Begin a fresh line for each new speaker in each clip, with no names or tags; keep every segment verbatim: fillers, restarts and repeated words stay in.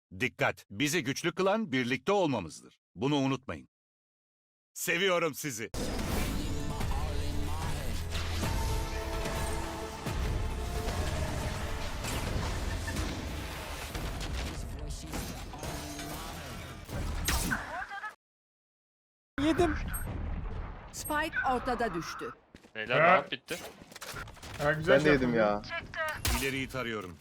Dikkat! Bizi güçlü kılan birlikte olmamızdır. Bunu unutmayın. Seviyorum sizi.
Yedim.
Spike ortada düştü.
Beyler
Ha.
rahat bitti.
Ha, güzel
Ben de
şey
yedim
yaptın
ya.
İleriyi tarıyorum.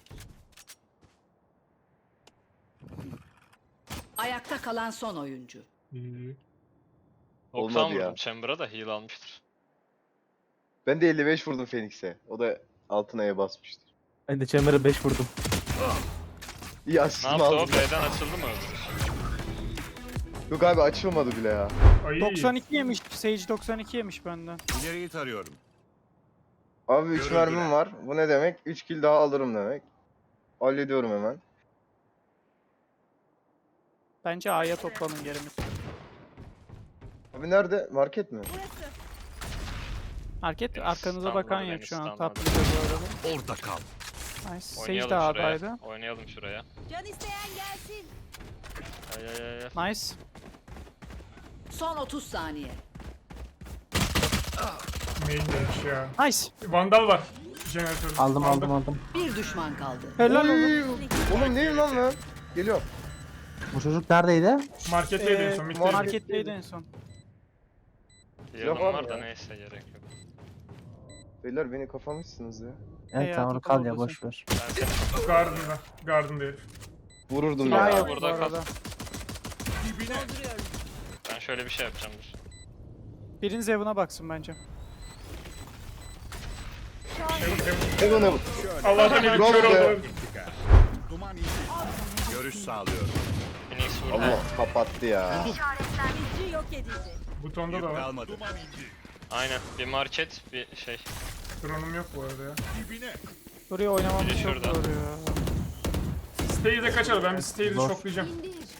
Ayakta kalan son oyuncu.
İyi.
doksan
Olmadı ya.
vurdum Chamber'a da heal almıştır.
Ben de elli beş vurdum Phoenix'e. O da altın aya basmıştır.
Ben de Chamber'a beş vurdum.
İyi
Ne
asistimi
yaptı o?
aldım.
B'den açıldı mı öldü?
Yok abi açılmadı bile ya.
Ay.
doksan iki yemiş. Sage doksan iki yemiş benden.
İleriyi tarıyorum.
Abi üç
Görüldüler.
mermim var. Bu ne demek? üç kill daha alırım demek. Hallediyorum hemen.
Bence A'ya toplanın gerimiz.
Abi nerede? Market mi?
Market
Beni
arkanıza
stunladı,
bakan
beni
yok şu an.
stunladı.
Top mid'de bu arada.
Orada kal.
Nice. Sage
Oynayalım
de
şuraya.
A'daydı.
Oynayalım şuraya.
Can isteyen gelsin.
Ay ay ay ay.
Nice.
Son otuz saniye.
Main demiş ya.
Nice.
Vandal var. Jeneratörde.
Aldım aldım aldım.
Bir düşman kaldı.
Helal oğlum.
Oy! Oğlum neyim lan ben? Geliyorum.
Bu çocuk neredeydi?
Marketteydi en
Ee,
son. Mid'deydi.
Marketteydi en son.
Heal'ım
var
var da
ya.
neyse gerek yok.
Beyler beni kafamışsınız ya.
Evet
Hey,
tamam
artık
kal ya
oradasın.
boş ver.
Ben seni
Garden'da. Garden'da herif.
Vururdum
Silah
ya.
yok bu
burada kal.
arada.
ben şöyle bir şey yapacağım dur.
Biriniz evine baksın bence.
Heaven heaven.
Allah'tan herif
Bravo
kör
be.
oldu.
Duman indi. Görüş sağlıyorum.
Phoenix vurdu.
Allah kapattı ya.
Bizci yok edildi.
Butonda
Yük
da var.
kalmadı.
Aynen. Bir market, bir şey.
Drone'um yok bu arada ya.
Buraya oynamamız
Biri
çok
şurada.
zor ya.
Stairs'e kaçalım. Ben bir Stairs'i
Zor.
şoklayacağım.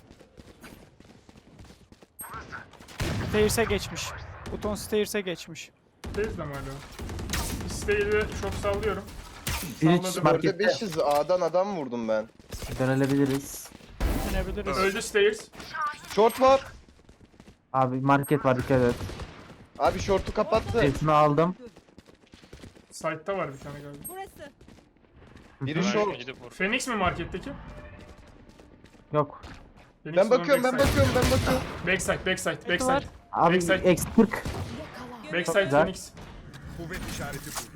Stairs'e geçmiş. Buton Stairs'e geçmiş.
Stairs'de mi hala? Bir Stairs'e şok sallıyorum.
Bir iç
Salladım.
market-
Dörde beşiz A'dan adam vurdum ben.
Dönebiliriz.
Dönebiliriz.
Öldü Stairs.
Short var.
Abi market var dikkat et.
Abi short'u kapattı.
Hepsini aldım.
Site'da var bir tane galiba.
Burası.
Biri
Ben
short.
gidip vur.
Phoenix mi marketteki?
Yok.
Phoenix
Ben
o zaman
bakıyorum ben
backside.
bakıyorum ben bakıyorum.
Backside, backside,
var.
backside.
Abi
Backside.
eksi kırk.
Backside
güzel.
Phoenix.
Kuvvet işareti kurdum.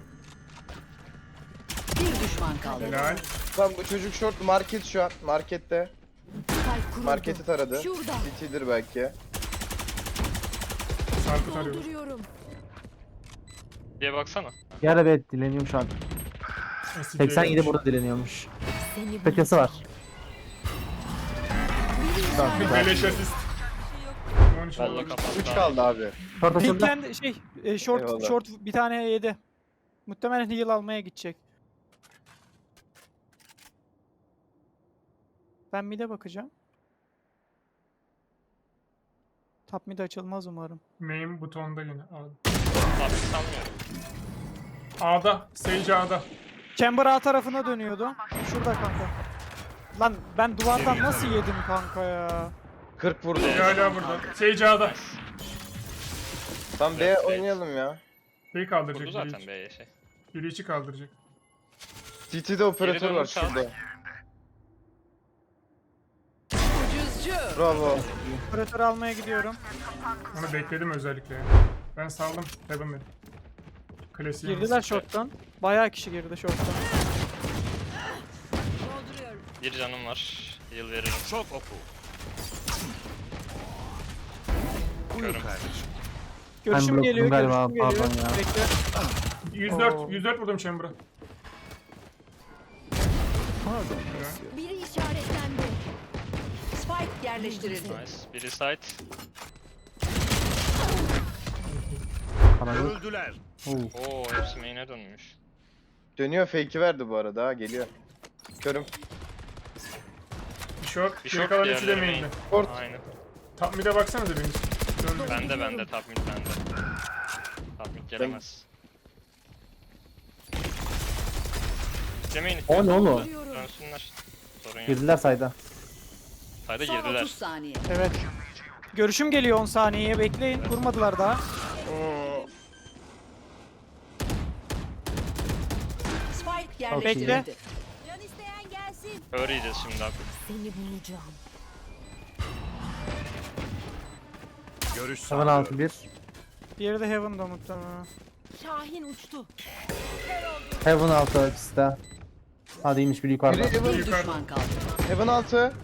Bir düşman kaldı.
Helal.
Tamam bu çocuk short market şu an. Markette.
Spike kuruldu.
Marketi taradı.
Şurada.
City'dir belki.
Sarkıt arıyorum.
Dolduruyorum.
Diye baksana.
Yer evet dileniyorum şu an.
S D
seksen yedi
gelmiş.
burada dileniyormuş.
Seni
Petesi var.
Tamam güzel.
Beleş asist. on üç
Valla
oldu.
kapattı.
üç kaldı abi.
Short açıldı.
Pink'ten şey, e, short,
Eyvallah.
short bir tane yedi. Muhtemelen heal almaya gidecek. Ben mid'e bakacağım. Top mid açılmaz umarım.
Main butonda yine. A'da.
Abi sanmıyorum.
A'da. Sage A'da.
Chamber A tarafına dönüyordu. Şurada kanka. Lan ben duvardan nasıl yedim kanka ya?
kırk vurdu.
Biri hala burada. Sage A'da.
Tam B oynayalım ya.
B'yi kaldıracak.
Vurdu
Biri
zaten
içi.
B'ye şey.
Biri içi kaldıracak.
City'de operatör
Geri
var
dönüş al.
şurada.
Ucuzcu.
Bravo.
Operatörü almaya gidiyorum.
Onu bekledim özellikle ya. Ben saldım. Heaven dedim. Klasiğim.
Girdiler short'tan. Bayağı kişi girdi short'tan.
dolduruyorum.
Bir canım var. Heal veririm.
Çok oku. Buyur
Görüm.
kardeşim.
Görüşüm
Ben
geliyor,
bloktum galiba,
görüşüm geliyor.
pardon ya.
Bekle.
yüz dört.
Oo.
yüz dört vurdum Chamber'a.
Biri işaretlendi.
Spike yerleştirildi.
Nice. Biri side.
Kalabalık.
Öldüler.
Oo hepsi main'e dönmüş.
Dönüyor fake'i verdi bu arada ha geliyor. Körüm.
Bir short.
Bir
Geri
short,
kalan üçü de
diğerleri
main'de.
main.
Short.
Aynen.
Top mid'e baksanıza biriniz. Döndü.
Bende bende. Top mid bende. Top mid gelemez. Demeyin
O ne oğlum?
Dönsünler. Sorun yok.
Girdiler sayda.
Sayda
Son
girdiler.
otuz saniye.
Evet. Görüşüm geliyor on saniyeye bekleyin. Kurmadılar daha.
Spike yerleştirildi.
Bekle.
Can isteyen gelsin.
Öğreyeceğiz şimdi abi.
Seni bulacağım.
Görüş
Heaven altı
sağlıyorum.
bir.
Diğeri de Heaven'da muhtemelen.
Şahin uçtu.
Heaven altı ikisi de. Hadi iyiymiş bir yukarıda.
Biri Heaven,
Bir düşman kaldı.
Heaven altı.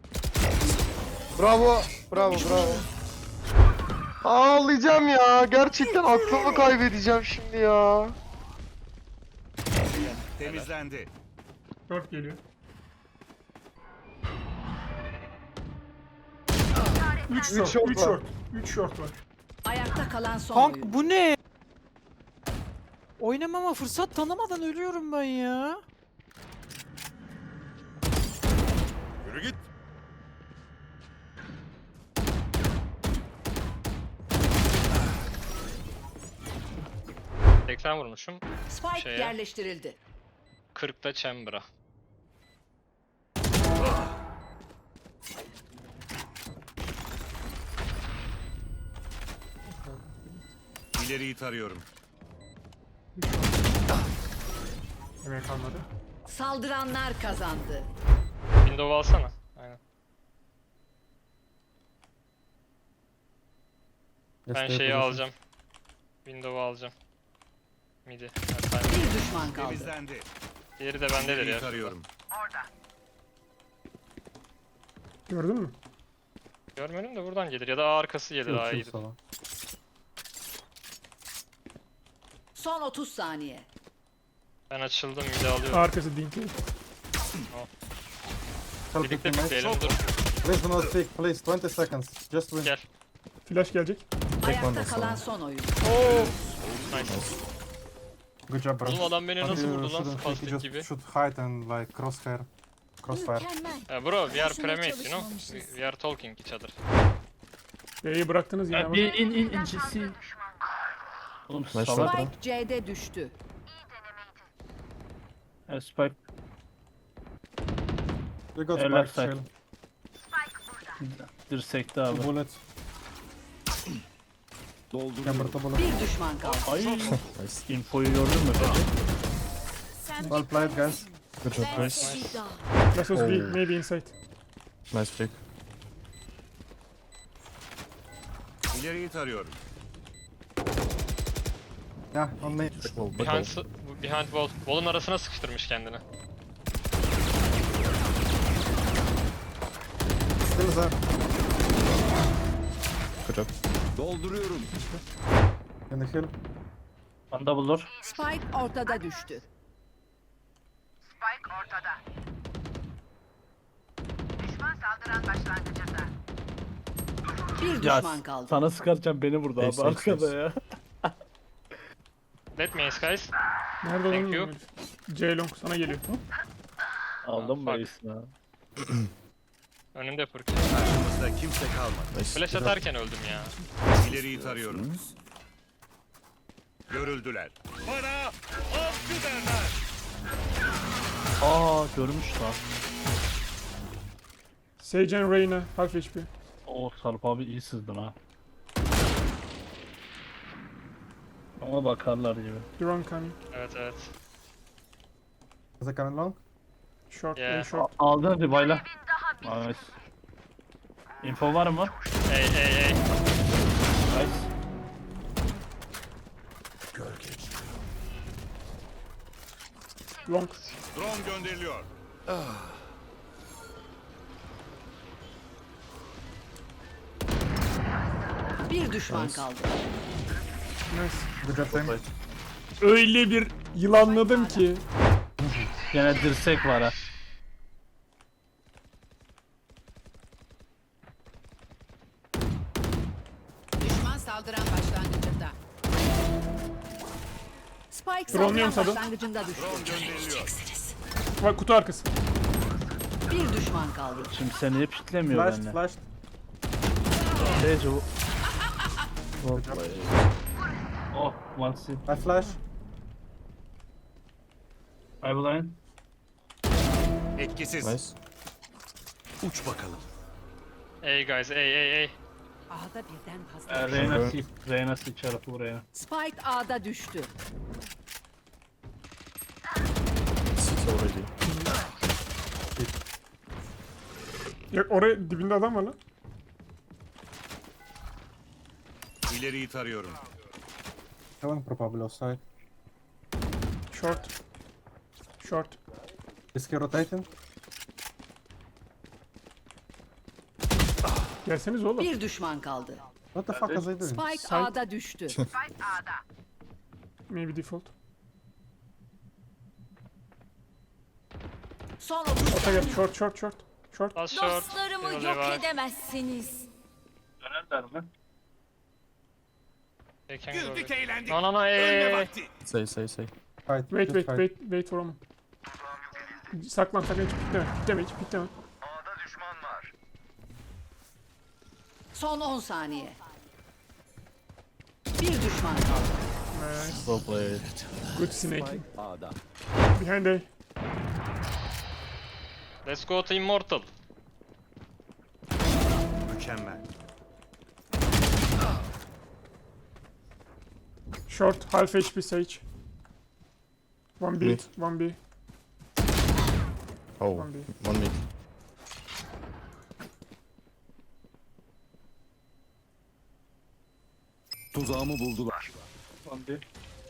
Bravo. Bravo bravo. Ağlayacağım ya. Gerçekten aklımı kaybedeceğim şimdi ya.
Temizlendi.
Dört geliyor. Üç short,
short
üç
var.
short. Üç short var.
Ayakta kalan son
Kank
oyun.
bu ne? Oynamama fırsat tanımadan ölüyorum ben ya.
Yürü git.
seksen vurmuşum.
Spike
Şeye.
yerleştirildi.
kırkta Chamber'a.
İleriyi tarıyorum.
Yemek kalmadı.
Saldıranlar kazandı.
Window alsana. Aynen. Ben şeyi alacağım. Window'u alacağım. Midi. Ha, ben-
Bir düşman kaldı.
Temizlendi.
Diğeri de bendedir
İleriyi
ya.
tarıyorum.
Gördün mü?
Görmedim de buradan gelir ya da A arkası gelir daha iyi.
Son otuz saniye.
Ben açıldım midi alıyorum.
Arkası dinkli.
Birlikte bekleyelim dur.
Please do not speak, please. twenty seconds. Just win.
Gel.
Flash gelecek.
Ayakta kalan son oyun.
Nice.
Good job, bro.
Oğlum adam beni nasıl
You
vurdu lan
shouldn't think,
spastik
you
gibi.
just should hide and like crosshair. Crossfire.
Mükemmel.
Ya bro, we are
Boşuna
premates, you know?
çalışmamışız.
We, we are talking each other.
B'yi bıraktınız yine.
Bir
bak.
in in in G C. Oğlum salak.
Spike C'de düştü.
Evet, Spike.
You got
Eh, left
spike,
side.
chill.
Dirsekte abi.
Bullet. Chamber'da bullet.
Bir düşman kaldı.
Ay. Infoyu gördün mü peki?
Sen
Well played, guys.
ben seni daha.
Last was B, maybe inside.
İleriyi tarıyorum.
Yeah, on me.
Behind, s- behind wall. Wall'un arasına sıkıştırmış kendini.
Still there.
Dolduruyorum.
In the hill.
Anda bulur.
Spike ortada düştü. Bir
Ya
düşman kaldı.
sana sıkarken beni vurdu abi arkada ya.
Let me ace guys.
Nerede
Thank
olduğunu
you.
bilmiyorum. C-Long sana geliyor.
Aldım
Bak.
mı reisini ha?
Önümde Furk.
Karşımızda kimse kalmadı.
Flash atarken öldüm ya.
İleriyi tarıyorum. Görüldüler. Bana avcı derler.
Aa görmüş lan.
Sage and Reyna, half H P.
Oo Sarp abi iyi sızdın ha. Ama bakarlar gibi.
Drone coming.
Evet evet.
Is it coming long?
Short,
Yeah.
A short.
Aldın hadi bayla. Nice. Info var mı?
Ey ey ey.
Nice.
Long.
Drone gönderiliyor.
Bir düşman kaldı.
Nice.
Good job, team.
Öyle bir yılanladım ki.
Gene dirsek var ha.
Düşman saldıran başlangıcında. Spike
Drone'luyorum
saldıran
Sado.
başlangıcında düştü.
Drone gönderiliyor.
Bak kutu arkası.
Bir düşman kaldı.
Şimdi seni hep pitlemiyor
Flashed,
benimle.
flashed.
Sage o. Hoppa. Oh, one C.
I flash.
I blind.
Etkisiz. Uç bakalım.
A guys, A, A, A.
A'da birden fazla.
Ee, Reyna C. Reyna C çarpı Reyna.
Spike A'da düştü.
Yok oraya dibinde adam var lan.
İleriyi tarıyorum.
Heaven probably offside.
Short. Short.
Is he rotating?
Gelseniz oğlum.
Bir düşman kaldı.
What the fuck is he doing?
Spike
Side.
A'da düştü.
Maybe default.
Son otuz
Ota gel. Short short short. Short.
Last short.
Dostlarımı
Yine
yok
var.
edemezsiniz.
Dönerler mi?
They can go
Güldük
back.
eğlendik.
No, no, no,
Ölme
A.
vakti.
Fight,
Wait
just
wait
fight.
wait wait for a moment. Saklan saklan hiç pikleme. Pikleme hiç pikleme.
Son on saniye. Bir düşman kaldı.
Nice. Good snake. Behind A.
Let's go to Immortal.
Mükemmel.
Short. Half H P Sage. One B. One B.
Oh,
One B.
one mid.
Tuzağımı buldular.
Hadi.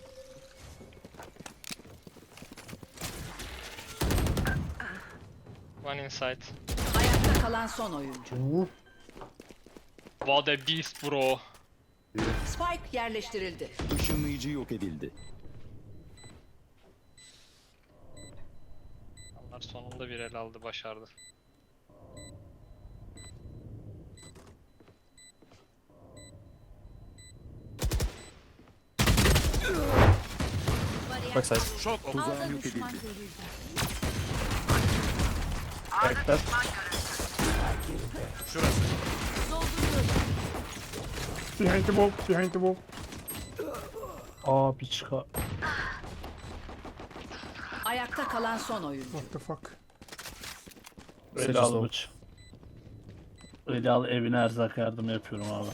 One inside.
Ayakta kalan son oyuncu.
Ooh.
What a beast bro.
Spike yerleştirildi.
Işınlayıcı yok edildi.
Onlar sonunda bir el aldı, başardı.
Backside.
Şok oku.
Ağda düşman görüldü.
Backstab.
Şurası.
Dolduruyorum.
Behind the wall. Behind the wall.
Aa bir çıka.
Ayakta kalan son oyuncu.
What the fuck?
Öyle al bıç. Öyle al evine erzak yardım yapıyorum abi.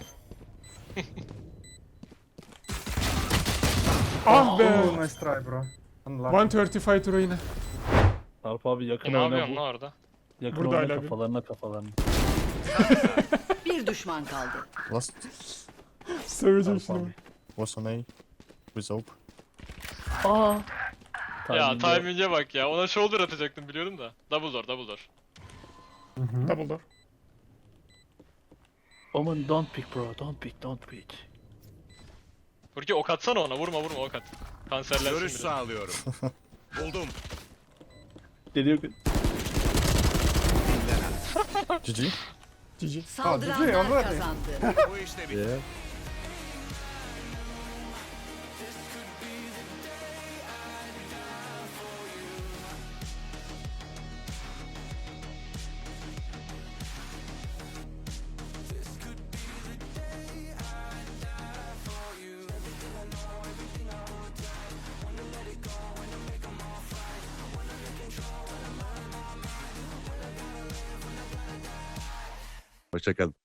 Ah be.
Oh, nice try, bro. Unlucky.
one thirty-five euro yine.
Sarp abi yakın
E, ne
oyna
yapıyorsun
bu.
lan orada?
Yakın
Burada
oyna
hala bir-
kafalarına kafalarına.
Bir düşman kaldı.
Last
Seveceğim
Sarp
şimdi.
abi.
was on A. With Hope.
Aa.
Ya
Timing'e-
timing'e bak ya. Ona shoulder atacaktım biliyorum da. Double door, double door.
Double door.
Omen don't pick bro, don't pick, don't pick.
Burki ok atsana ona, vurma vurma ok at. Kanserlensin
Görüş
biraz.
sağlıyorum. Buldum.
Geliyor ki.
G G.
G G.
Saldıranlar
already.
kazandı.
Bu işte bitti.
Yeah. Hoşçakalın.